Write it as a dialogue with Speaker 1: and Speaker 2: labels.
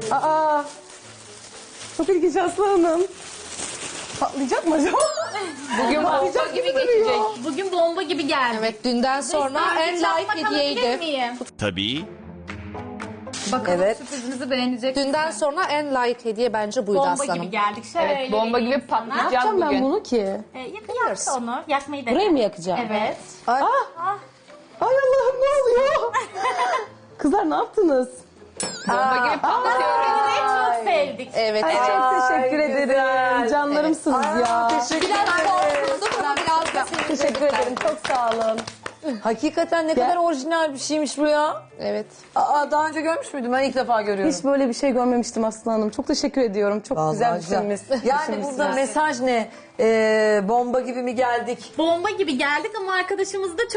Speaker 1: Aa. Çok ilginç Aslı Hanım. Patlayacak mı acaba?
Speaker 2: Bugün bomba gibi geçecek.
Speaker 3: Bugün bomba gibi geldi.
Speaker 2: Evet, dünden sonra en like hediyeydi.
Speaker 4: Tabii.
Speaker 3: Bakalım
Speaker 5: Evet.
Speaker 3: sürprizimizi beğenecek.
Speaker 2: Dünden sonra en like hediye bence buydu
Speaker 3: Bomba
Speaker 2: aslanım.
Speaker 3: gibi geldik. Şöyle
Speaker 6: Evet, bomba gibi
Speaker 3: vereyim sana.
Speaker 6: patlayacak
Speaker 1: Yapacağım ben
Speaker 6: bugün.
Speaker 1: bunu ki.
Speaker 3: Yak onu. Yakmayı dene.
Speaker 1: Burayı mı yakacağım?
Speaker 3: Evet.
Speaker 5: Ay,
Speaker 1: Ay Allah'ım ne oluyor? Kızlar ne yaptınız?
Speaker 6: Bomba gibi patlatıyoruz.
Speaker 3: Seni çok sevdik.
Speaker 2: Evet.
Speaker 1: Ay çok teşekkür
Speaker 5: güzel.
Speaker 1: ederim. Canlarımsınız ya.
Speaker 5: Teşekkür
Speaker 2: Biraz
Speaker 5: ederim.
Speaker 2: korkuldum ama biraz da
Speaker 1: Teşekkür ederim. Çok sağ olun.
Speaker 5: Hakikaten ne kadar orijinal bir şeymiş bu ya.
Speaker 2: Evet.
Speaker 5: Aa, daha önce görmüş müydüm? Ben ilk defa görüyorum.
Speaker 1: Hiç böyle bir şey görmemiştim Aslı Hanım. Çok teşekkür ediyorum. Çok
Speaker 5: Vallahi
Speaker 1: güzel düşünmüşsünüz.
Speaker 5: Yani burada mesaj ne? Bomba gibi mi geldik?
Speaker 3: Bomba gibi geldik ama arkadaşımız da